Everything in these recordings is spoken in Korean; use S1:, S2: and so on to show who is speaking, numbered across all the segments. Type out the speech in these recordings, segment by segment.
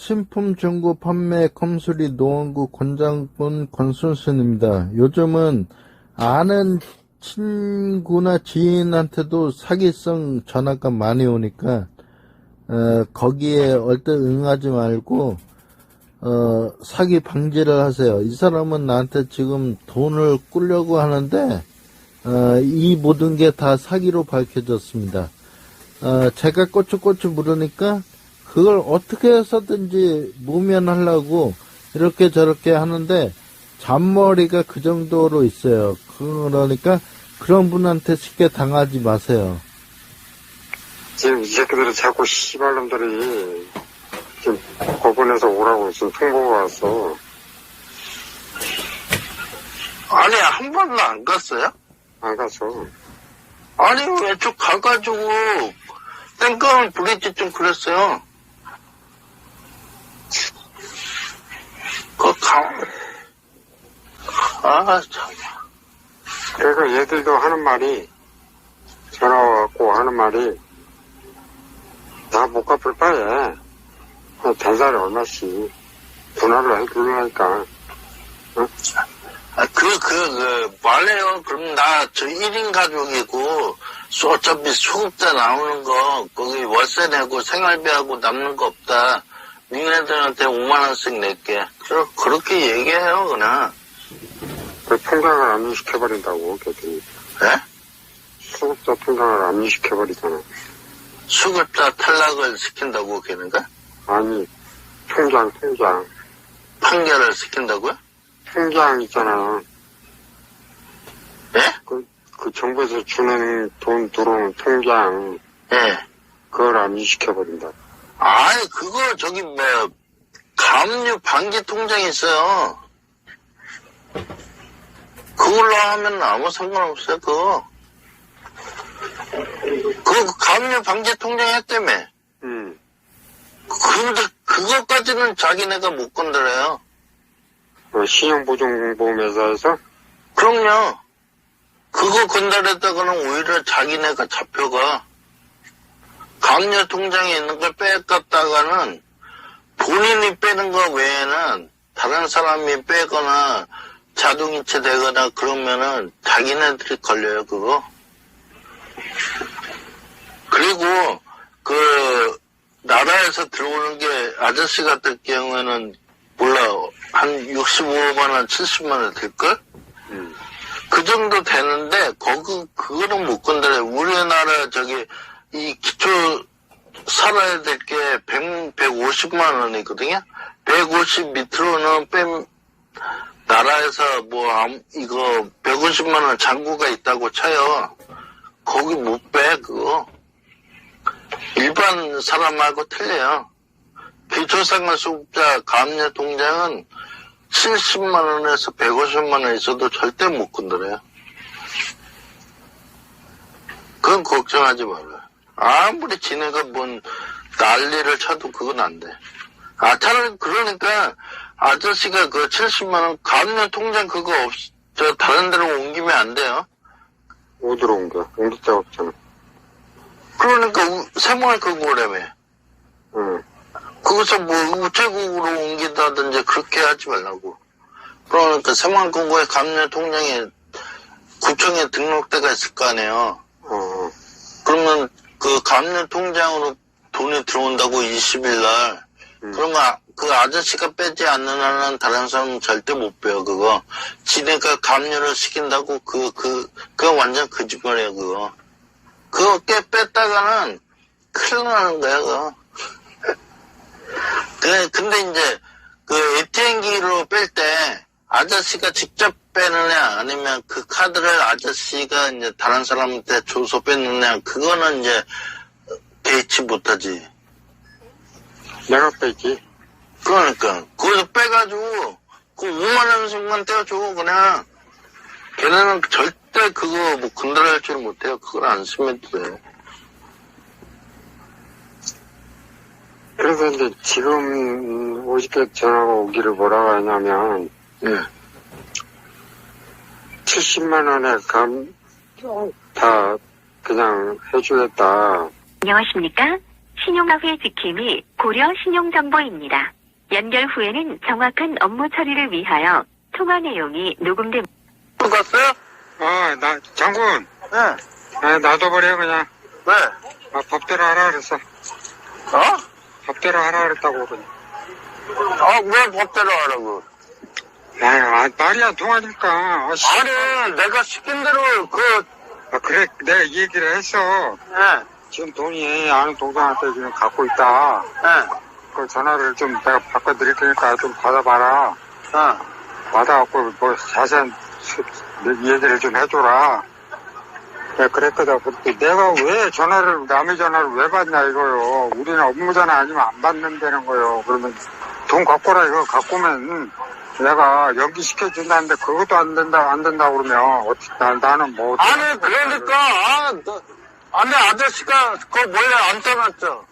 S1: 신품 중고 판매 컴수리 노원구 권장군 권순순입니다. 요즘은 아는 친구나 지인한테도 사기성 전화가 많이 오니까 거기에 얼뜻 응하지 말고 사기 방지를 하세요. 이 사람은 나한테 지금 돈을 꾸려고 하는데 이 모든 게 다 사기로 밝혀졌습니다. 제가 꼬치꼬치 물으니까 그걸 어떻게 해서든지 무면하려고 이렇게 저렇게 하는데 잔머리가 그 정도로 있어요. 그러니까 그런 분한테 쉽게 당하지 마세요.
S2: 지금 이 새끼들이 자꾸 씨발놈들이 지금 법원에서 오라고 지금 통보가 왔어.
S3: 아니, 한 번도 안 갔어요?
S2: 안 갔어.
S3: 아니, 왜 쭉 가가지고 땡깡을 부리지 좀 그랬어요. 참.
S2: 그러니까 얘들도 하는 말이, 전화 와갖고 하는 말이, 나 못 갚을 바에, 대사를 얼마씩, 분할을 해주려니까, 어?
S3: 말해요. 그럼 저 1인 가족이고, 어차피 수급자 나오는 거, 거기 월세 내고 생활비하고 남는 거 없다. 니네들한테 5만원씩 낼게. 그렇게 얘기해요, 그냥.
S2: 그 통장을 압류시켜버린다고, 걔들이.
S3: 예?
S2: 수급자 통장을 압류시켜버리잖아.
S3: 수급자 탈락을 시킨다고, 걔네가?
S2: 아니, 통장.
S3: 판결을 시킨다고요?
S2: 통장 있잖아.
S3: 예?
S2: 그 정부에서 주는 돈 들어오는 통장.
S3: 예.
S2: 그걸 압류시켜버린다.
S3: 아니, 가압류 방지 통장이 있어요. 그걸로 하면 아무 상관없어요, 그거. 가압류 방지 통장 했다며. 근데 그것까지는 자기네가 못 건드려요.
S2: 신용보증보험회사에서?
S3: 그럼요. 그거 건드렸다가는 오히려 자기네가 잡혀가. 가압류 통장에 있는 걸 뺏갔다가는 본인이 빼는 거 외에는 다른 사람이 빼거나 자동이체 되거나 그러면은 자기네들이 걸려요, 그거. 그리고 나라에서 들어오는 게 아저씨 같을 경우에는 몰라, 한 65만원, 70만원 될걸? 그 정도 되는데, 그거는 못 건드려요. 우리나라 이 기초 살아야 될 게 150만 원이거든요. 150 밑으로는 나라에서 이거 150만 원 잔고가 있다고 쳐요. 거기 못 빼, 그거. 일반 사람하고 틀려요. 기초생활수급자 가압류 통장은 70만 원에서 150만 원 있어도 절대 못 건드려요. 그건 걱정하지 말아요. 아무리 지네가 난리를 쳐도 그건 안 돼. 차라리 그러니까 아저씨가 70만원 가압류 통장 그거 다른 데로 옮기면 안 돼요.
S2: 어디로 옮겨? 옮길 데가 없잖아.
S3: 그러니까 새마을금고라며.
S2: 응.
S3: 거기서 우체국으로 옮긴다든지 그렇게 하지 말라고. 그러니까 새마을금고에 가압류 통장에 구청에 등록대가 있을 거 아니에요. 그러면 그 가압류 통장으로 돈이 들어온다고 20일날. 그러면 그 아저씨가 빼지 않는 한은 다른 사람은 절대 못 빼요, 그거. 지네가 가압류를 시킨다고 그거 완전 거짓말이에요, 그거. 그거 뺐다가는 큰일 나는 거야, 그거. 근데 이제 ATM기로 뺄 때 아저씨가 직접 빼느냐 아니면 그 카드를 아저씨가 이제 다른 사람한테 줘서 뺐느냐 그거는 이제 개의치 못하지.
S2: 내가 뺐지.
S3: 그러니까 거기서 빼가지고 그 5만 원씩만 떼어줘 그냥. 걔네는 절대 그거 건드릴 줄 못해요. 그걸 안 쓰면 돼.
S2: 그래서 이제 지금 50개 전화가 오기를 뭐라고 하냐면, 70만 원에 다 그냥 해주겠다.
S4: 안녕하십니까? 신용화폐 지킴이 고려 신용정보입니다. 연결 후에는 정확한 업무 처리를 위하여 통화 내용이 녹음됩니다.
S3: 갔어요?
S2: 장군.
S3: 네.
S2: 놔둬버려, 그냥.
S3: 왜?
S2: 법대로 하라 그랬어. 법대로 하라 그랬다고, 그냥.
S3: 왜 법대로 하라고?
S2: 말이 안 통하니까.
S3: 아니, 내가 시킨 대로
S2: 그래, 내가 이 얘기를 했어.
S3: 네.
S2: 지금 돈이 아는 동생한테 지금 갖고 있다.
S3: 네.
S2: 그 전화를 좀 내가 바꿔드릴 테니까 좀 받아봐라. 받아갖고 뭐 자세한 얘기를 좀 해줘라. 내가 그랬거든. 그때 내가 왜 남의 전화를 왜 받냐 이거요. 우리는 업무 전화 아니면 안 받는다는 거요. 그러면 돈 갖고 라 이거 갖고 오면 내가 연기시켜준다는데 그것도 안 된다 그러면 나는 뭐.
S3: 아니, 그러니까, 아니, 아저씨가 그거 몰래 안 떠났죠.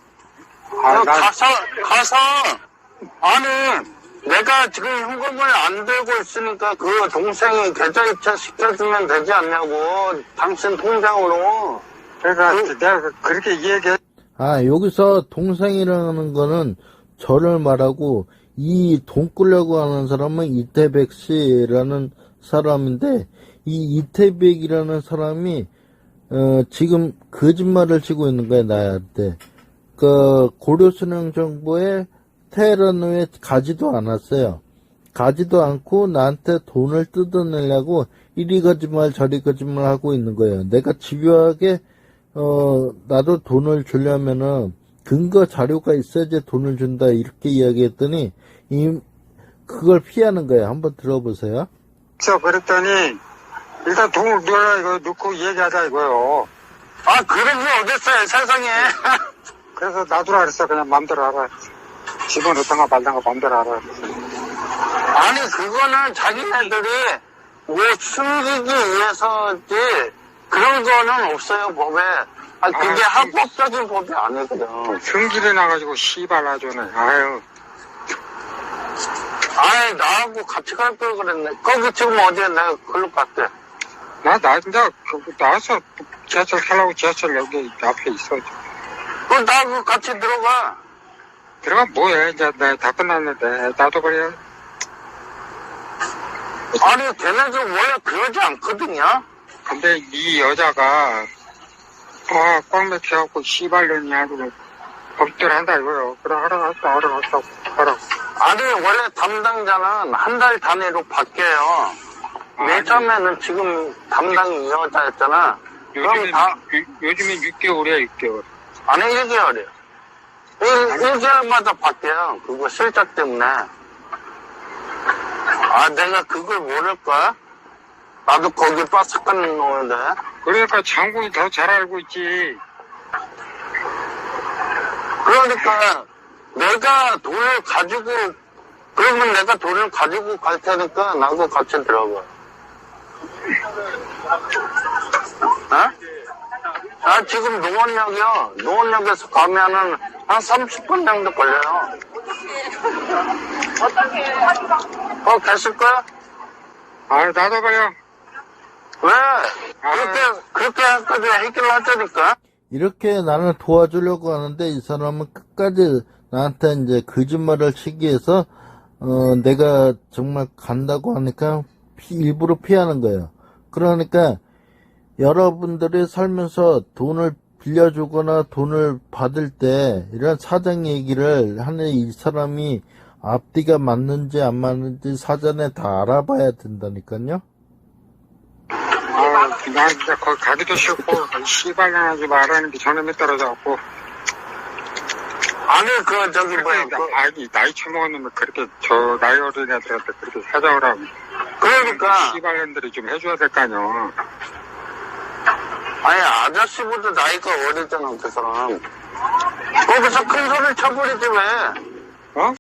S3: 가서, 아니, 내가 지금 현금을 안 들고 있으니까 그 동생이 계좌 이체 시켜주면 되지 않냐고, 당신 통장으로.
S2: 그러니까 내가 그렇게 얘기해.
S1: 여기서 동생이라는 거는 저를 말하고, 이 돈 끌려고 하는 사람은 이태백 씨라는 사람인데, 이 이태백이라는 사람이, 지금 거짓말을 치고 있는 거야, 나한테. 고려수령정보에 테헤란 후에 가지도 않았어요. 가지도 않고 나한테 돈을 뜯어내려고 이리 거짓말 저리 거짓말 하고 있는 거예요. 내가 집요하게 나도 돈을 주려면은 근거 자료가 있어야지 돈을 준다 이렇게 이야기했더니 그걸 피하는 거예요. 한번 들어보세요.
S2: 그랬더니 일단 돈을 이거 넣고 얘기하자 이거요.
S3: 그런 게 어딨어요, 세상에.
S2: 그래서 놔두라 그랬어. 그냥 맘대로 하라. 집어넣던가 말던가 맘대로 하라.
S3: 아니, 그거는 자기네들이 뭐 숨기기 위해서지, 그런 거는 없어요, 법에. 그게 합법적인 법이 아니거든.
S2: 승질이 나가지고 씨발 아주네. 아유.
S3: 아니, 나하고 같이 갈 걸 그랬네. 거기 지금 어디에 내가 글로 갔대.
S2: 이제 나와서 지하철 타려고 지하철 여기 앞에 있어.
S3: 그럼 나하고 같이 들어가.
S2: 들어가 뭐해. 이제 내가 다 끝났는데 놔둬버려.
S3: 아니, 걔네들 원래 그러지 않거든요.
S2: 근데 이 여자가 꽉 맥혀갖고 씨발년이 하고 법대로 한다 이거요. 그래 하라고.
S3: 아니, 원래 담당자는 한 달 단위로 바뀌어요. 맨 처음에는 지금 담당이 이 여자였잖아.
S2: 요즘엔 6개월이야 6개월.
S3: 아니, 1개월이에요. 1개월마다 바뀌어요. 그거 실적 때문에. 내가 그걸 모를까? 나도 거기 빠삭한 놈인데.
S2: 그러니까 장군이 더 잘 알고 있지.
S3: 그러니까 내가 돈을 가지고, 그러면 내가 돈을 가지고 갈 테니까 나도 같이 들어가. 지금 노원역이요. 노원역에서 가면은 한 30분 정도 걸려요. 계실 거야?
S2: 놔둬버려.
S3: 왜? 그렇게 할까지 해결하자니까.
S1: 이렇게 나를 도와주려고 하는데 이 사람은 끝까지 나한테 이제 거짓말을 치기 위해서 내가 정말 간다고 하니까 일부러 피하는 거예요. 그러니까 여러분들이 살면서 돈을 빌려주거나 돈을 받을 때 이런 사정 얘기를 하는 이 사람이 앞뒤가 맞는지 안 맞는지 사전에 다 알아봐야 된다니까요.
S2: 난 진짜 거기 가기도 싫고 씨발년 하지 말라는 게 저놈에 떨어져갖고.
S3: 아니,
S2: 나이 처먹었는데 그렇게 저 나이 어린 애들한테 그렇게 사정을 하고.
S3: 그러니까.
S2: 씨발년들이 좀 해줘야 될 거 아니야.
S3: 아니, 아저씨보다 나이가 어리잖아, 그 사람. 거기서 큰 소리 쳐버리지 왜?